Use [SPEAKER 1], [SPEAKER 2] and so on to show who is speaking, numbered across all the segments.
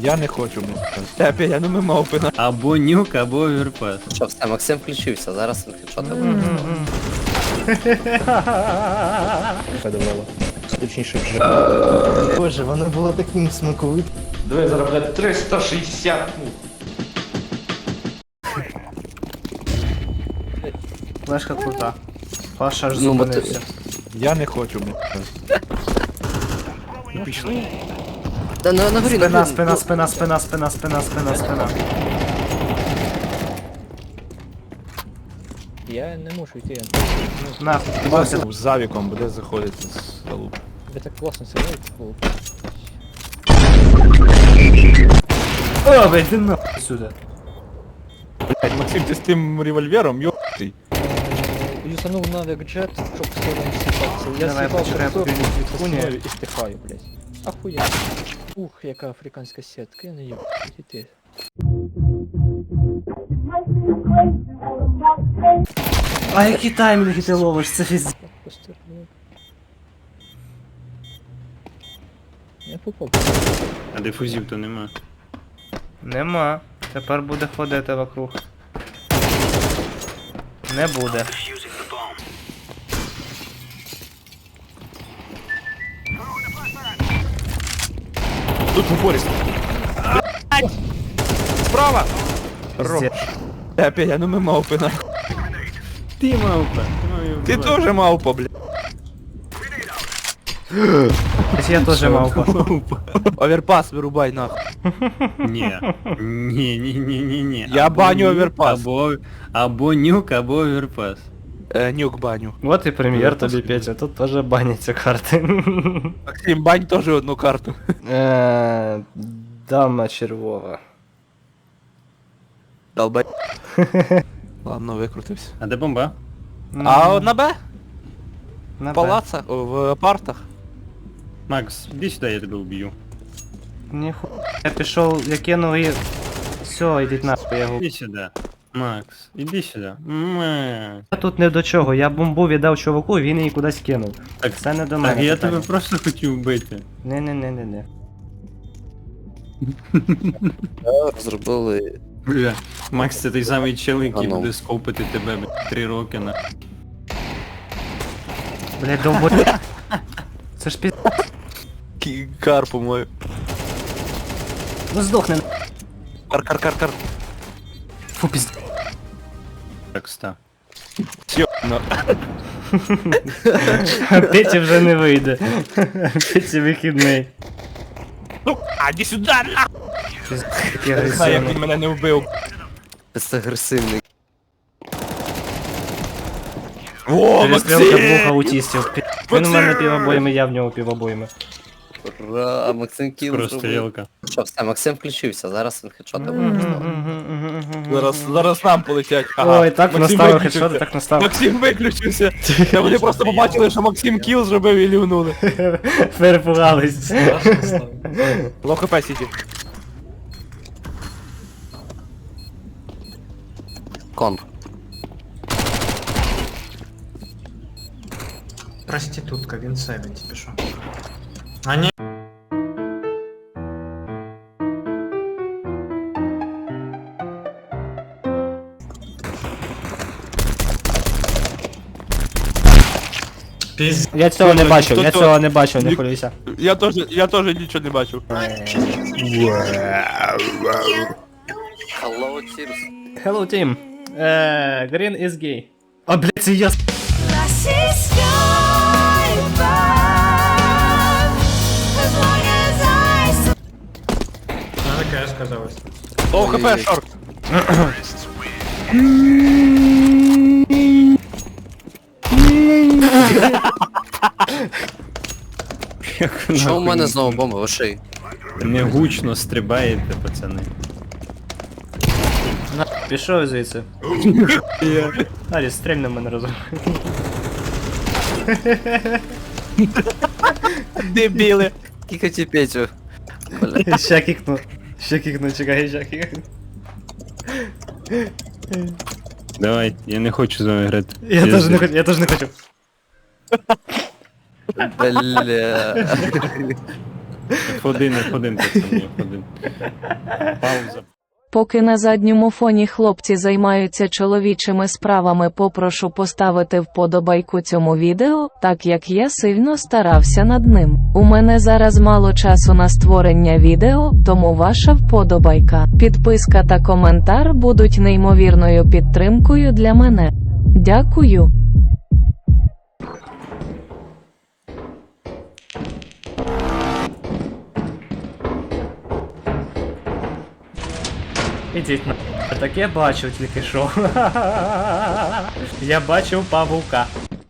[SPEAKER 1] Я не хочу, блядь. Тебе, я ну ми мавпи на.
[SPEAKER 2] Або нюк, або оверпас.
[SPEAKER 3] Що, все, Максим включився, зараз він хедшоти буде.
[SPEAKER 4] Подавало. Точніше вже. Боже, воно було таким смаковитим.
[SPEAKER 5] Давай зараз, блядь, 360.
[SPEAKER 4] Флешка крута. Паша аж
[SPEAKER 3] Ну,
[SPEAKER 4] зупинився.
[SPEAKER 1] Я не хочу, блядь. Пішли.
[SPEAKER 3] Та на горі, на горі.
[SPEAKER 4] Спина.
[SPEAKER 6] Я не можу йти.
[SPEAKER 4] Нахуй,
[SPEAKER 1] Максим з завіком буде заходити з залупи.
[SPEAKER 6] Ви так класно сидите, було.
[SPEAKER 4] О, блядь, ти нахуй сюди.
[SPEAKER 1] Блядь, Максим, ти з тим револьвером, йоптий.
[SPEAKER 6] Юзанув навик джет, щоб в сторону сіпатися. Я
[SPEAKER 4] Давай,
[SPEAKER 6] сіпав
[SPEAKER 4] почекай,
[SPEAKER 6] в сторону
[SPEAKER 4] поки він
[SPEAKER 6] від
[SPEAKER 4] відхуне.
[SPEAKER 6] основи і стихаю, блядь. Ахуя. Ух, яка африканська сітка, я не їб. Іди.
[SPEAKER 4] А які таймінги ти ловиш, це фіз...
[SPEAKER 6] Постерну. Я попав.
[SPEAKER 2] А дифузів то нема.
[SPEAKER 4] Нема. Тепер буде ходити вокруг. Не буде.
[SPEAKER 1] Тут в упорі. Блядь! Справа!
[SPEAKER 4] Пиздец.
[SPEAKER 1] Тебе, я ну ми мавпи на.
[SPEAKER 2] Ти мавпа.
[SPEAKER 1] Ти теж мавпа, блядь.
[SPEAKER 4] Я теж мав.
[SPEAKER 1] Оверпас вирубай нахуй.
[SPEAKER 2] Ні. Ні.
[SPEAKER 1] Я баню оверпас.
[SPEAKER 2] Або нюк, або оверпас.
[SPEAKER 1] Нюк баню.
[SPEAKER 4] Вот і прем'єр тобі, Петя, тут теж баняться карти.
[SPEAKER 1] Максим, бань теж одну карту.
[SPEAKER 4] Дама червова.
[SPEAKER 1] Долбай. Ладно, викрутився.
[SPEAKER 2] А де бомба?
[SPEAKER 1] А на Б?
[SPEAKER 4] На
[SPEAKER 1] В палацах? В апартах?
[SPEAKER 2] Макс, іди сюди, я тебе вб'ю.
[SPEAKER 4] Ніху... Я пішов, я кинув і... Все, йдіть нахуй, я губ.
[SPEAKER 2] Іди сюди. Макс, іди сюди. Макс.
[SPEAKER 4] Я тут не до чого, я бомбу віддав чуваку, він її кудись кинув.
[SPEAKER 2] Так,
[SPEAKER 4] Це не до
[SPEAKER 2] так
[SPEAKER 4] мене
[SPEAKER 2] я
[SPEAKER 4] питання.
[SPEAKER 2] тебе просто хотів вбити.
[SPEAKER 4] Не.
[SPEAKER 3] Розробили
[SPEAKER 2] Бля. Макс, це той самий чел, який
[SPEAKER 3] А ну.
[SPEAKER 2] буде скопити тебе 3 роки на...
[SPEAKER 4] Блять, довбо... Це ж піз...
[SPEAKER 1] Кар, по-моєму.
[SPEAKER 4] Ну здохне.
[SPEAKER 1] Кар.
[SPEAKER 4] Фу, піз...
[SPEAKER 2] Так, ста.
[SPEAKER 1] Сьобно.
[SPEAKER 4] Петі вже не вийде. Петі вихідний.
[SPEAKER 1] Ну, іди сюди, нахуй!
[SPEAKER 4] Такий
[SPEAKER 1] Я не знаю, як
[SPEAKER 4] агресивний.
[SPEAKER 1] він мене не вбив.
[SPEAKER 3] агресивний.
[SPEAKER 1] О,
[SPEAKER 4] Перестрілка двох
[SPEAKER 1] Максим!
[SPEAKER 4] аутістів. Він у мене півобоями, я в нього півобоями.
[SPEAKER 3] Ура, Максим кіл зробив.
[SPEAKER 2] Прострілка.
[SPEAKER 3] Що, все, Максим включився, зараз він хедшоти буде.
[SPEAKER 1] Зараз нам полетять.
[SPEAKER 4] Ой, так
[SPEAKER 1] Максим
[SPEAKER 4] наставив
[SPEAKER 1] виключився.
[SPEAKER 4] хедшоти, так наставив.
[SPEAKER 1] Максим виключився. Та вони просто побачили, що Максим кіл зробив і лівнули.
[SPEAKER 4] Перепугались.
[SPEAKER 1] Лоу хп сіті.
[SPEAKER 3] Конг.
[SPEAKER 5] Проститутка, він 70 пішов. А ні. Піз...
[SPEAKER 4] Я цього не бачив, я
[SPEAKER 1] Хто-то-
[SPEAKER 4] цього не бачив, не
[SPEAKER 1] Ні-
[SPEAKER 4] хвилюйся.
[SPEAKER 1] Я теж нічого не бачив.
[SPEAKER 3] Hello, Tears.
[SPEAKER 4] Hello, team. Green is gay. А, блядь, це я...
[SPEAKER 5] А таке сказалось.
[SPEAKER 1] Лоу хп, шорт.
[SPEAKER 3] Що у мене знову бомба в шиї?
[SPEAKER 2] Не гучно стрибаєте, пацани.
[SPEAKER 4] На, пішов звідси. Арі, стрельни мене разом.
[SPEAKER 1] Дебіли.
[SPEAKER 3] Кікаті Петю.
[SPEAKER 4] Ща кікну. Чекай, ща кікну.
[SPEAKER 2] Давай, я не хочу з вами грати.
[SPEAKER 4] Я теж не хочу.
[SPEAKER 3] Бля.
[SPEAKER 2] F1, F1, пацани, F1. Пауза.
[SPEAKER 7] Поки на задньому фоні хлопці займаються чоловічими справами, попрошу поставити вподобайку цьому відео, так як я сильно старався над ним. У мене зараз мало часу на створення відео, тому ваша вподобайка, підписка та коментар будуть неймовірною підтримкою для мене. Дякую.
[SPEAKER 4] Ідіть на. Так я бачив тільки що. Я бачив павука.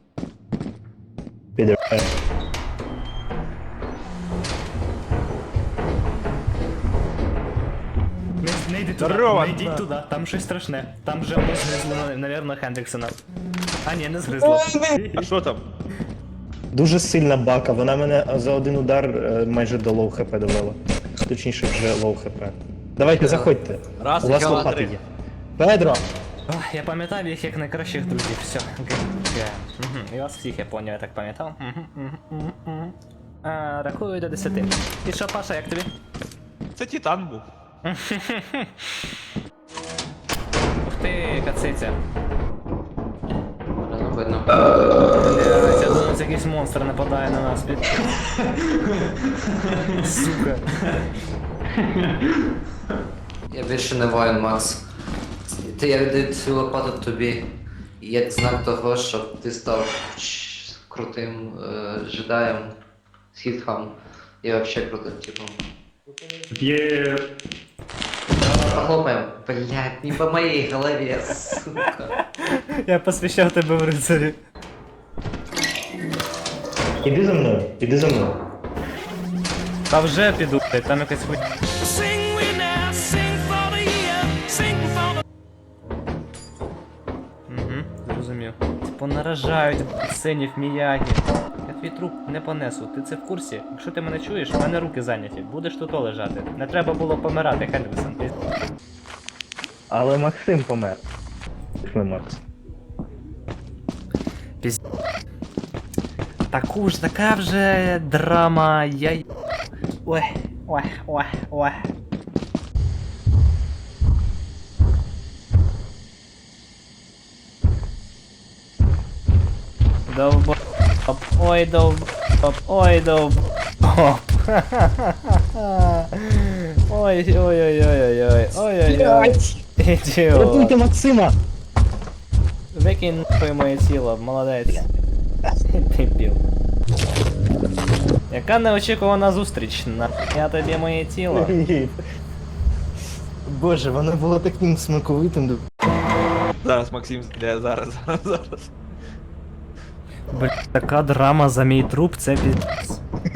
[SPEAKER 4] Не йдіть туди,
[SPEAKER 1] Здорово,
[SPEAKER 4] не йдіть туди, там щось страшне. Там же воно згризло, навірно, Хендріксона. А ні, не згризло.
[SPEAKER 1] А що там?
[SPEAKER 8] Дуже сильна бака, вона мене за один удар майже до лоу хп довела. Точніше, вже лоу хп. Давайте, заходьте.
[SPEAKER 1] Раз,
[SPEAKER 8] У вас
[SPEAKER 1] два,
[SPEAKER 8] лопати
[SPEAKER 1] три.
[SPEAKER 8] є. Педро!
[SPEAKER 4] Ох, я пам'ятав їх як найкращих друзів, все. І вас всіх я поняв, я так пам'ятав. Рахую до 10. І що, Паша, як тобі?
[SPEAKER 1] Це Титан був.
[SPEAKER 4] Ух ти, кациця.
[SPEAKER 3] Не видно.
[SPEAKER 4] Блядь, я думаю, це якийсь монстр нападає на нас. Сука.
[SPEAKER 3] Я більше не воїн, Макс. Я віддаю цю лопату тобі, як знак того, щоб ти став крутим джедаєм, сітхом і вообще крутим типом.
[SPEAKER 2] Є...
[SPEAKER 3] Похлопаем. Блять, не по моей голове, сука.
[SPEAKER 4] Я посвящав тебе в рицарі.
[SPEAKER 8] Іди за мною, іди за мною.
[SPEAKER 4] Та вже піду, блядь, там якась хуй. Зрозумів. Понаражають синів міягі. Я твій труп не понесу, ти це в курсі? Якщо ти мене чуєш, в мене руки зайняті. Будеш тут лежати. Не треба було помирати, Хендріксон.
[SPEAKER 8] Але Максим помер. Пішли, Макс.
[SPEAKER 4] Така вже драма, Ой. Довбоп, ой довбоп, ой довбоп. Ой-ой-ой-ой-ой-ой-ой-ой. Ідіот.
[SPEAKER 8] Максима!
[SPEAKER 4] Викинь нахуй моє тіло, молодець. Дебіл. Яка неочікувана зустріч, я тобі моє тіло.
[SPEAKER 8] Боже, воно було таким смаковитим.
[SPEAKER 1] Зараз Максим зайде, зараз.
[SPEAKER 4] Блять, така драма за мій труп, це піздець.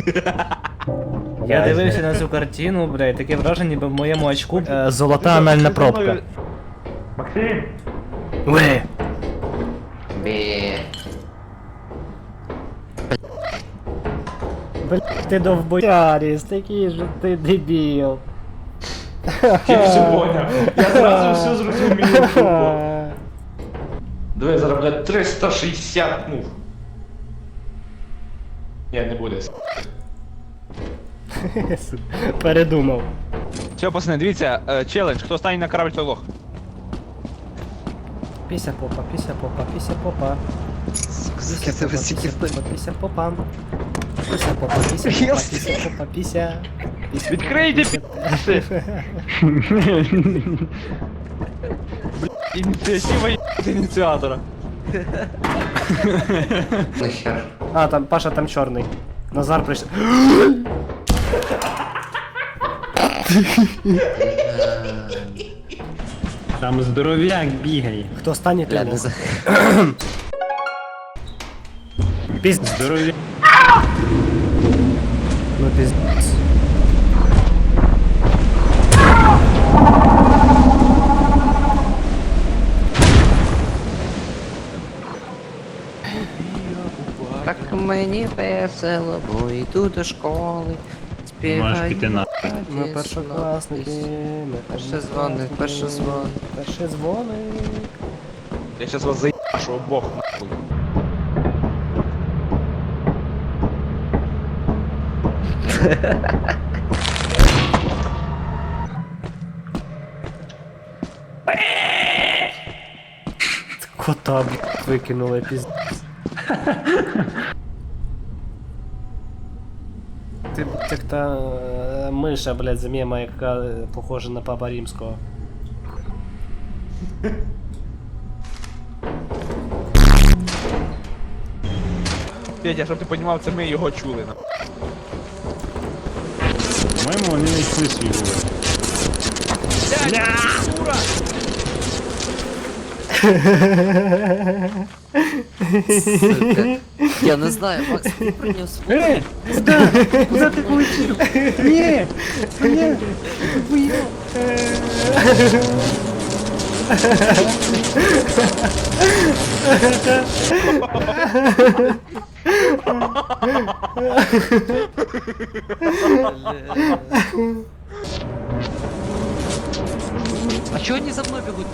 [SPEAKER 4] Я дивився на цю картину, блядь, таке враження, ніби в моєму очку золота анальна пробка.
[SPEAKER 8] Максим!
[SPEAKER 4] Ви!
[SPEAKER 3] Бе.
[SPEAKER 4] Блять, ти довбояріс, такий же ти дебіл.
[SPEAKER 1] Я все поняв. Я зразу все зрозумів. Давай заробляти 360 мув. Ні, не буде.
[SPEAKER 4] Передумав.
[SPEAKER 1] Все, пацани, дивіться, челендж, хто стане на корабль, той лох.
[SPEAKER 4] Піся попа, піся попа, піся попа. Піся попа, піся попа, піся попа. Піся попа, піся попа, піся попа, піся.
[SPEAKER 1] Відкрийте ініціатива ініціатора.
[SPEAKER 3] Нахер.
[SPEAKER 4] А, там Паша там чорний. Назар прийшов.
[SPEAKER 2] Там здоров'як бігає.
[SPEAKER 4] Хто стане,
[SPEAKER 3] Бля,
[SPEAKER 4] той
[SPEAKER 3] не
[SPEAKER 4] лох.
[SPEAKER 3] за...
[SPEAKER 4] Піздець.
[SPEAKER 2] Здоров'як.
[SPEAKER 4] Ну піздець.
[SPEAKER 3] Так мені весело, бо йду до школи.
[SPEAKER 2] Можеш піти на.
[SPEAKER 4] Ми першокласники. Ми
[SPEAKER 3] Перший дзвоник, перший дзвоник.
[SPEAKER 4] Перший дзвоник.
[SPEAKER 1] Я сейчас вас заебашу обох нахуй.
[SPEAKER 2] Кота, блядь, викинули, пізд... Ти, блядь, як та миша, блядь, з мема, яка похожа на Папа Римського.
[SPEAKER 1] Петя, щоб ти понімав, це ми його чули.
[SPEAKER 2] По-моєму, вони не йшли свій вулик.
[SPEAKER 3] Сука. Я не знаю, Макс, ти приніс.
[SPEAKER 2] Куда ти полетів? Ні! Ні!
[SPEAKER 3] А чого вони за мною бігуть?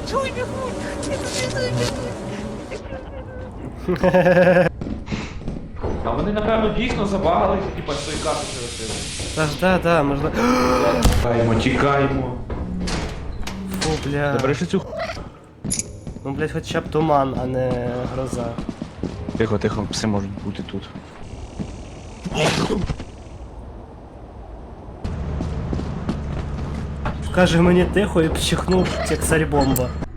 [SPEAKER 1] А вони, напевно, дійсно забагалися, типа, з тої карти через.
[SPEAKER 2] Та ж да, можна...
[SPEAKER 1] Тікаємо, тікаємо.
[SPEAKER 2] Фу, бля.
[SPEAKER 1] Забереш цю
[SPEAKER 2] Ну, блядь, хоча б туман, а не гроза.
[SPEAKER 1] Тихо, тихо, все можуть бути тут.
[SPEAKER 2] Каже мені тихо і пчихнув, як царь бомба.